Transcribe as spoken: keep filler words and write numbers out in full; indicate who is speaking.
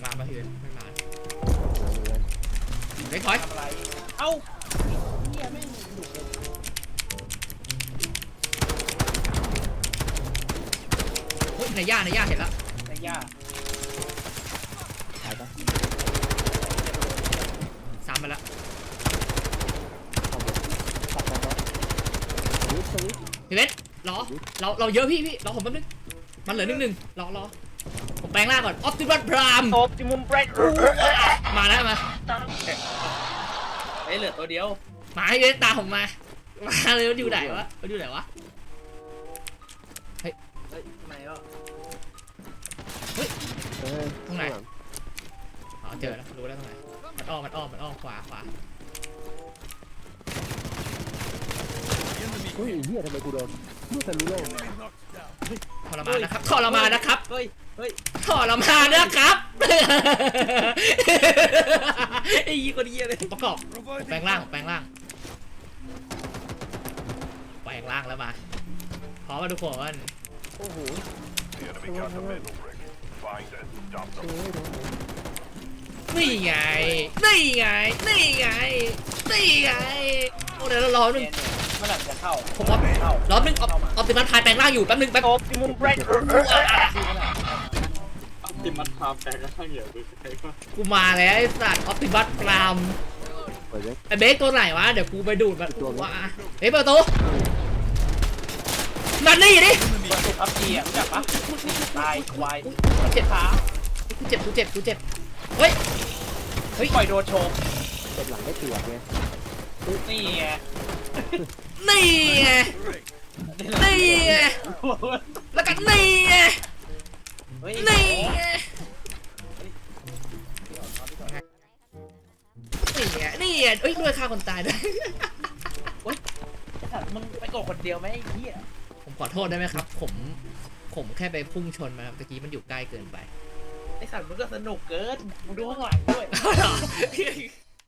Speaker 1: มาป่ะพี่เว้ยไม่มาเฮ้ยถอย
Speaker 2: ทำอะไรเอ้าเฮียแม่งดุเลย
Speaker 1: เฮ้ยในย่าในย่าเห็นแล้ว
Speaker 2: ไอ้ย่า
Speaker 3: หายปะ
Speaker 1: ซ้ำมาแล้ว
Speaker 3: ขับไปแล้วสวิตสวิต
Speaker 1: พี่เว้ยรอเราเราเยอะพี่พี่รอผมแป๊บนึงมันเหลือหนึ่งหนึ่งรอรอผมแปลงร่างก่อนออปติมัสพราม
Speaker 2: โอปติมุมเบรด
Speaker 1: มาแล้วมา
Speaker 2: เฮ้ยเหลือตัวเดียว
Speaker 1: มาให้เว้ยตามผมมามาเลยมันอยู่ไหนวะมันอยู่ไหนวะ
Speaker 2: เฮ้ยไหนอ่ะ
Speaker 3: เฮ้ย
Speaker 1: ตรงไหนอ๋อเจอแล้วรู้แล้วตรงไหนมันอ้อมมันอ้อมมันอ้อมขวาขวา
Speaker 3: เฮ้ยเฮียทำไมกูโดนลูกทะลุโลก
Speaker 1: ทรมานนะครับทรมานนะครับ
Speaker 2: เฮ้ยเฮ้ย
Speaker 1: ทรมานนะครับไอ้ยี่คนเยี่ยเลยประกอบแปลงร่างแปลงร่างแปลงร่างแล้วมาพร้อมมาทุกคน
Speaker 3: โอ้โห
Speaker 4: The enemy got the middle rig. Find and stop
Speaker 3: เฮ้
Speaker 4: them.
Speaker 3: ยโดน
Speaker 1: นี่ไงนี่ไงนี่ไงนี่ไงโอ้เดี๋ยวเรารอหนึ่ง
Speaker 2: เมื่อไหร่จะเข้า
Speaker 1: ผมว่า
Speaker 2: เข้าร
Speaker 1: อหนึ่งออปติมัสพายแปลงร่างอยู่แป๊บนึงแป๊บ
Speaker 2: โอปติมุมเบรด
Speaker 5: ติมัดพามแปลงร่างเหรอคือใครวะ
Speaker 1: กูมาแล้วไอ้สัตว์ออปติมัสพราม
Speaker 3: เปิดเล็ก
Speaker 1: ไอ้เบสตัวไหนวะเดี๋ยวกูไปดูดมันว่าเฮ้ยเปิดประตูนั่นนี่ดิ
Speaker 2: ตัวสุดอัพจีอ่ะรู้จักปะตายควาย
Speaker 1: เจ็บ
Speaker 2: ขา
Speaker 1: กูเจ็บกูเจ็บกูเจ็บเฮ้ยเฮ้ย
Speaker 2: ปล่อยโดนโชว์
Speaker 3: เจ็บหลังได้เปียกไง
Speaker 2: นี่ไง
Speaker 1: นี่ไงนี่ไงแล้วก็นี่ไง
Speaker 2: เฮ้ย
Speaker 1: นี่ไงนี่ไงนี่ไงเอ้ยด้วยฆ่าคนตายด้วย
Speaker 2: ไอ้สัตว์มึงไปโกดคนเดียวไหมไอ้เหี้ย
Speaker 1: ผมขอโทษได้ไหมครับ ผมผมแค่ไปพุ่งชนมาครับตะกี้มันอยู่ใกล้เกินไป
Speaker 2: ไอ้สัตว์มึงก็สนุกเกินมึงดูข้างหลังด้วย